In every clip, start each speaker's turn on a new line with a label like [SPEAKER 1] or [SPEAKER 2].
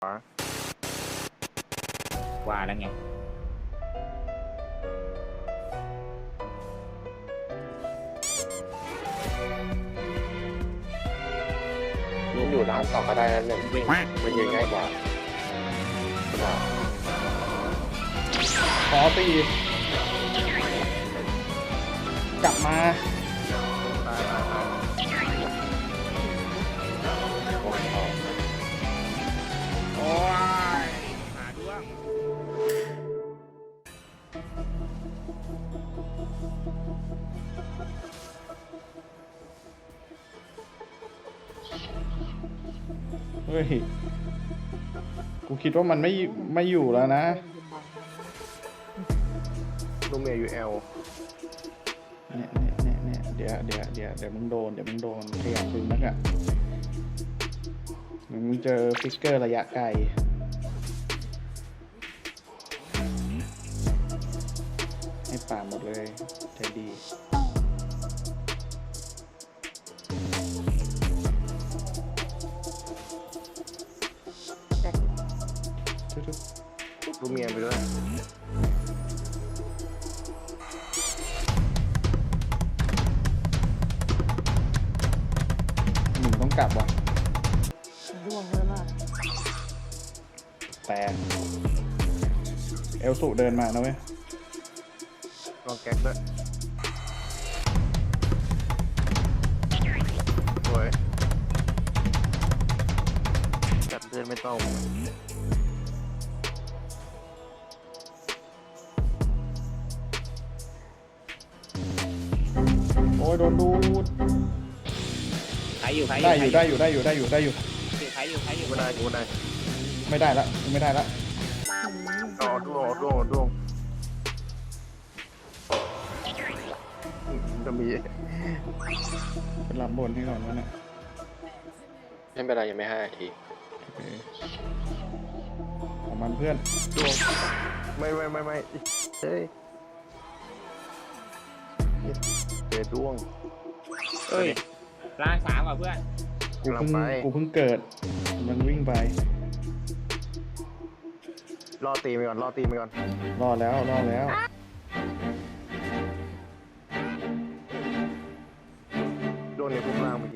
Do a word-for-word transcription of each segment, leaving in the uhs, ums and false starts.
[SPEAKER 1] ว่าแล้วไง
[SPEAKER 2] มันอยู่ร้านต่อก็ได้นั่นหนึ่งมันยิงง่ายกว่า
[SPEAKER 3] ขอตีกลับมา
[SPEAKER 1] โอ้ยหาด้วง
[SPEAKER 3] เฮ้ยกูคิดว่ามันไม่ไม่อยู่แล้วนะ
[SPEAKER 2] ลูเมียยูเอล
[SPEAKER 3] เนี่ยเนี่ยเนี่ยเนี่ยเดี๋ยวเดี๋ยวเดี๋ยวเดี๋ยวมึงโดนเดี๋ยวมึงโดนขยับดึงนักอ่ะมึงเจอฟิกเกอร์ระยะไกลให้ป่าหมดเลยใจดี
[SPEAKER 2] ลูเมียไปด้วย
[SPEAKER 3] หนึ่งต้องกลับว่ะ
[SPEAKER 4] ร่วงเลยล่ะ
[SPEAKER 3] แต่เอลสุเดินมานะเว้ย
[SPEAKER 2] ลองแก๊กด้วยโอ้ยจับเพื่อนไม่ต้อง
[SPEAKER 3] โอ้ยโดนดูด
[SPEAKER 1] ใครอยู่ใคร
[SPEAKER 3] ได้อยู่ได้อยู่ได้อยู่ได้อยู่ได้อยู่
[SPEAKER 1] ใครอยู่ใครอยู่
[SPEAKER 2] ไม่ได้กูไม่ได้
[SPEAKER 3] ไม่ได้ละไม่ได้ละ
[SPEAKER 2] อ๋อด้วงด้วงด้วงจะมี
[SPEAKER 3] เป็นลำบนให้ก่อนวะเนี่ย
[SPEAKER 2] ไม่เป็นไรยังไม่ห้านาที
[SPEAKER 3] โอเคของมันเพื่อน
[SPEAKER 2] ด้วงไม่ไม่ไม่ไม่เฮ้ยเจอด้วง
[SPEAKER 1] เอ้ยล้างสามอ่ะเพื่อน
[SPEAKER 3] กูเพิ่งกูเพิ่งเกิดมันวิ่งไป
[SPEAKER 2] รอตีไปก่อนรอตีไปก่อน
[SPEAKER 3] รอดแล้วรอดแล้ว
[SPEAKER 2] โดนในพวกล่างเมื่อกี้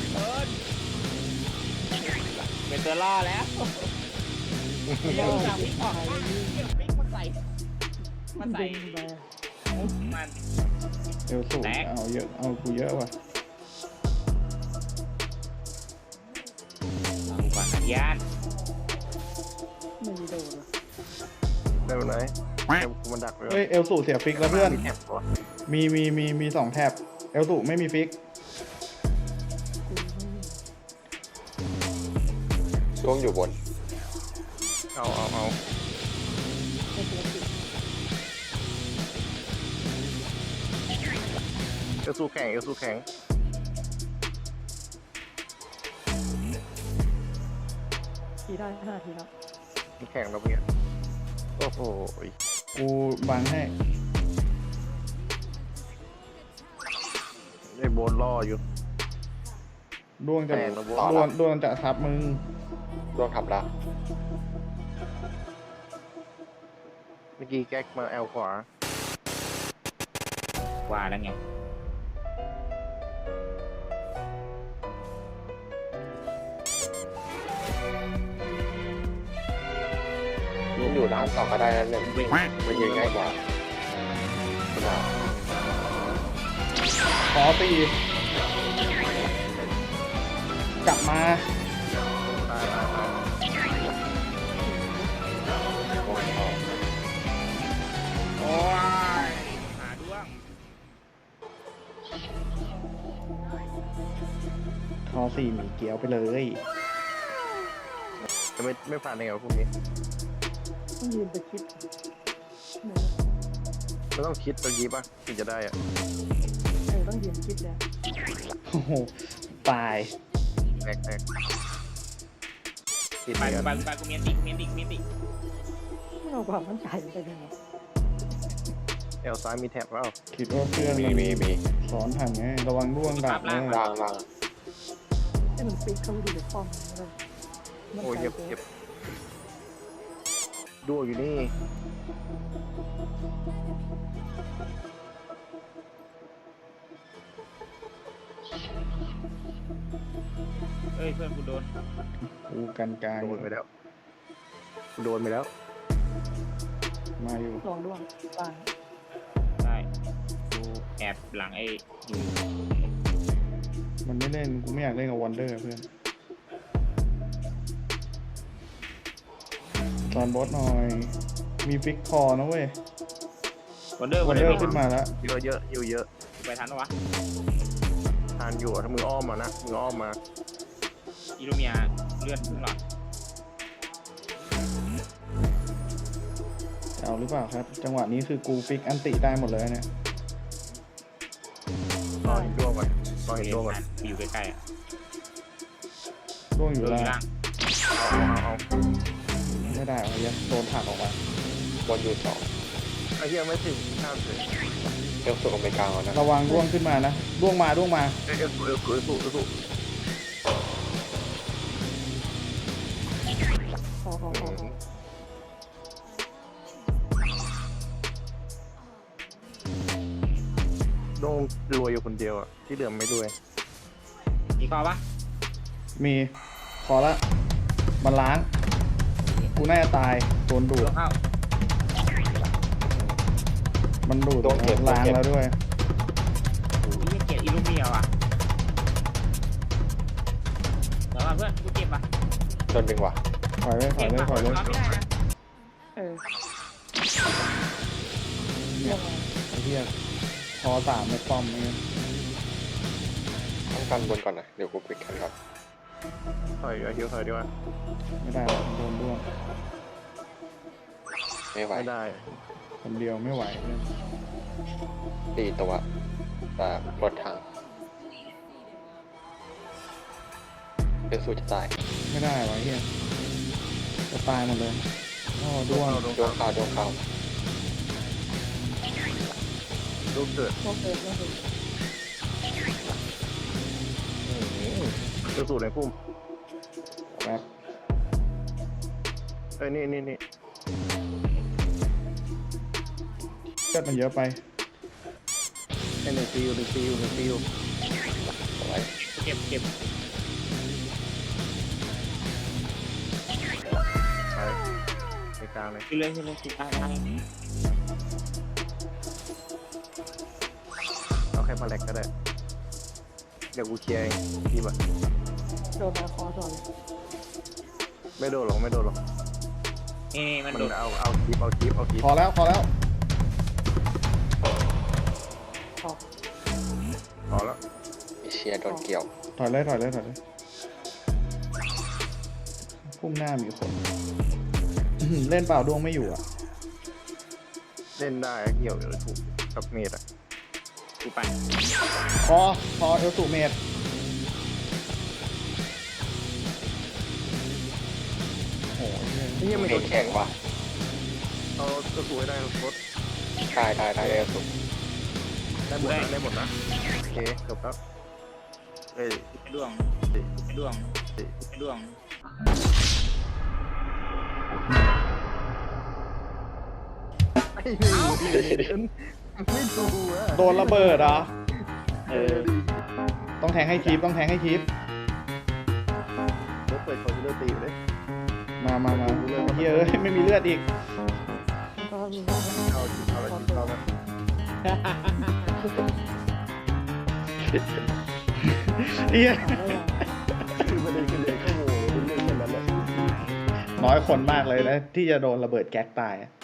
[SPEAKER 1] เป็นตัวล่อแล้วเดี๋ยวจับวิ่งออกวิ่งมันใส่มันใส่มัน
[SPEAKER 3] เอลสูเอาเยอะเอากูเยอะว่ะ
[SPEAKER 1] เอาก่อนอนุญาต
[SPEAKER 4] ไม่มีโดนหรอ
[SPEAKER 2] ได้ไหมมันดักเลย
[SPEAKER 3] เฮ้ยเอลสูเสียฟิกแล้วเพื่อน
[SPEAKER 2] มีแถบวะ
[SPEAKER 3] มีมีมีมีสองแท็บเอลสูไม่มีฟิก
[SPEAKER 2] ช่วงอยู่บนเอาเอาเอา
[SPEAKER 4] ไม่เป็นไร
[SPEAKER 2] เอลซูแข็งเอลซูแข็ง
[SPEAKER 4] ทีได้ห้าทีครับ
[SPEAKER 2] มันแข็งแล้วเพื่อนโอ้โห
[SPEAKER 3] กูบังให้
[SPEAKER 2] ไอ้โบนล่ออยู่
[SPEAKER 3] ดวงจะ
[SPEAKER 2] แปลกนะ
[SPEAKER 3] ด
[SPEAKER 2] โว้
[SPEAKER 3] วงดวงจะทับมึง
[SPEAKER 2] ร่วงทำละเมื่อกี้แก๊กมาแอลขวา
[SPEAKER 1] ว่าแล้วไง
[SPEAKER 2] มันอยู่ร้านต่อก็ได้นั่นหนึ่งมันยิงง่ายกว่า
[SPEAKER 3] ขอตีกลับมา
[SPEAKER 2] ตายตายตายโอ้ย
[SPEAKER 1] โอ้ยหาด้วง
[SPEAKER 3] ทอสี่หมีเกียวไปเลย
[SPEAKER 2] จะไม่ไม่ผ่านในเหรอพวกนี้
[SPEAKER 4] ต้องยืนไปคิด
[SPEAKER 2] ไม่ต้องคิดตัวยีป่ะถึงจะได้อะ
[SPEAKER 4] เออต้องยืนคิดแล้ว
[SPEAKER 3] โอ้โหตาย
[SPEAKER 2] แตกแตกติด
[SPEAKER 1] ไป
[SPEAKER 2] ไป
[SPEAKER 1] ไป
[SPEAKER 2] กัน
[SPEAKER 1] ไปกูเมียนติกูเมียนติกูเมียนติ
[SPEAKER 4] ไม่เอาความมั่นใจไปเลยนะ
[SPEAKER 2] เอลซ้ายมีแท็บเปล่า
[SPEAKER 3] คิดว่าเพื่อนมันสอนทันไงระวังร่วงดับนะ
[SPEAKER 2] ล่างล่าง
[SPEAKER 4] ให้มันฟิกเข้าไปดูในคอมเลย
[SPEAKER 2] โอ้ยเย็บเย็บดูอยู่นี่
[SPEAKER 1] เอ้ยเพื่อนกูโดน
[SPEAKER 3] กูกันกลาง
[SPEAKER 2] โดนไปแล้วโดนไปแล้ว
[SPEAKER 3] มาอยู่
[SPEAKER 4] ลองด้วงบ้าง
[SPEAKER 1] ได้กูแอบหลังไอ้อยู่
[SPEAKER 3] มันไม่เล่นกูไม่อยากเล่นกับวันเดอร์เพื่อนตอนบอสหน่อย มีฟิกคอนะเว้ย
[SPEAKER 1] วันเดอร์
[SPEAKER 3] วั
[SPEAKER 1] วัน น
[SPEAKER 3] เด
[SPEAKER 1] เด
[SPEAKER 3] อ
[SPEAKER 1] อ
[SPEAKER 3] ร์
[SPEAKER 1] ร์
[SPEAKER 3] ขึ้นมาแล้ว
[SPEAKER 2] เยอะเยอะอยู่เยอะ
[SPEAKER 1] ไปทันปะวะ
[SPEAKER 2] ทานอยู่อะถ้ามืออ้อมมานะมืออ้อมมา
[SPEAKER 1] อิลูเมียเลื่อนขึ้นหลอด
[SPEAKER 3] เอาหรือเปล่าครับ จังหวะนี้คือกูฟิกอันติได้หมดเลยเนี่ย
[SPEAKER 2] รอเห็นดวงก่อนรอเห็นดวงก่อน
[SPEAKER 1] อยู่ใกล้ๆอ่ะ
[SPEAKER 3] ร่วงอยู่
[SPEAKER 1] อยู่
[SPEAKER 3] ล่าง
[SPEAKER 1] ล่าง
[SPEAKER 2] เอาเอาเอา
[SPEAKER 3] ไม่ได้เอายังโดนผลักออกมา
[SPEAKER 2] บอลอยู่สองไอ้เหี้ยไม่ถึงข้ามเลยเอลสูงไปกลางแล้วนะ
[SPEAKER 3] ระวังร่วงขึ้นมานะร่วงมาร่วงมา
[SPEAKER 2] เอลสูเอลสูเอลสูเอลสู
[SPEAKER 4] ขอขอขอขอ
[SPEAKER 2] โดงรวยอยู่คนเดียวอ่ะที่เหลือไม่รวย
[SPEAKER 1] มีคอปะ
[SPEAKER 3] มีขอละมันล้าง กูน่าจะตายโดนดู
[SPEAKER 1] ล
[SPEAKER 3] ด
[SPEAKER 1] งเข้า
[SPEAKER 3] มันดูดล้างแล้วด้วย
[SPEAKER 1] โอ้ยเกลียดอิลูเมียว่ะเดี๋ยวก่อนเพื่อนกูเจ็บว่ะ
[SPEAKER 2] โดนดึงว่ะ
[SPEAKER 3] ถอยเลยถอ
[SPEAKER 1] เจ็
[SPEAKER 3] ย
[SPEAKER 1] บ
[SPEAKER 3] เลย
[SPEAKER 1] ว่ะ
[SPEAKER 3] ถอยเลย
[SPEAKER 1] ทำไม่ได้นะ
[SPEAKER 4] เออ
[SPEAKER 3] เนี่ยไอ้เหี้ยพอสามไม่ป้อมไม่งั้น
[SPEAKER 2] ต้องกันบนก่อนนะเดี๋ยวกูปิดกันครับถอยเอาฮิวถอยดีกว่า
[SPEAKER 3] ไม่ได้หรอกโดนร่วง
[SPEAKER 2] ไม่ไหวไม่ได้
[SPEAKER 3] คนเดียวไม่ไหวเลย
[SPEAKER 2] ตีตัวแต่รถถังเอลสูจะตาย
[SPEAKER 3] ไม่ได้วะเหี้ยจะตายหมดเลยโอ้ด้วง
[SPEAKER 2] ดวงขาวดวงขาวลูกเกิด
[SPEAKER 4] พวกเกิดก็คือ
[SPEAKER 2] เอลสูในพุ่ม
[SPEAKER 3] แป๊บ
[SPEAKER 2] เอ้ยนี่นี่นี่
[SPEAKER 3] เลือดมันเยอะไป
[SPEAKER 2] ไอ้หนึ่งฟิวหนึ่งฟิวหนึ่งฟิวเอาไว้
[SPEAKER 1] เจ็บเจ็บ
[SPEAKER 2] ไปไปกลางเลย
[SPEAKER 1] ขึ้นเลยขึ้นเลยขึ้นได้ได้
[SPEAKER 2] เอาแค่มาแลกก็ได้เดี๋ยวกูเคลียร์เองดีป่ะ
[SPEAKER 4] โดนมาคอสอน
[SPEAKER 2] ไม่โดนหรอกไม่โดนหรอก
[SPEAKER 1] นี่นี่มัน
[SPEAKER 2] มัน
[SPEAKER 1] โดด
[SPEAKER 2] เอาเอาคลิปเอาคลิปเอาคลิป
[SPEAKER 3] พอแล้วพอแล้ว
[SPEAKER 4] ขอ
[SPEAKER 2] พอแล้วมีเชียร์โดนเกี่ยว
[SPEAKER 3] ถอยเลยถอยเลยถอยเลยพุ่มหน้ามีคนอื้อหือเล่นเปล่าดวงไม่อยู่อ่ะ
[SPEAKER 2] เล่นได้เกี่ยวอยู่ถูกกับเมดอ่ะ
[SPEAKER 1] กูไป
[SPEAKER 3] พอพอเอลสูเมดโอ้ยเหี้ย
[SPEAKER 2] นี่ยังไม่โดนแข่งว่ะเอาตัวสวยได้รถได้ได้ได้เอลสูได้หมดนะได้หมดนะโอเคจบแล้วเอ้ย
[SPEAKER 1] ไอ้ดวงไอ้ดวงไอ้ดวง
[SPEAKER 2] ไอ้หนึ่งไม่ดูอ่ะ
[SPEAKER 3] โดนระเบิดเหรอ
[SPEAKER 2] เออดิ
[SPEAKER 3] ต้องแทงให้คลิปต้องแทงให้คลิป
[SPEAKER 2] รถเปิดคอนซีลเลอร์ตีอยู่เลย
[SPEAKER 3] มามามาเฮ้ยเอ้ยไม่มีเลือดอีก
[SPEAKER 4] ก็มีว่า
[SPEAKER 2] เอาเอาอะไรเอาแล้ว
[SPEAKER 3] เฮีย
[SPEAKER 2] คือประเด็นคือเลยก็โง่เป็นเรื่องแค่นั้นแหละ
[SPEAKER 3] น้อยคนมากเลยนะ ที่จะโดนระเบิดแก๊กตายอะ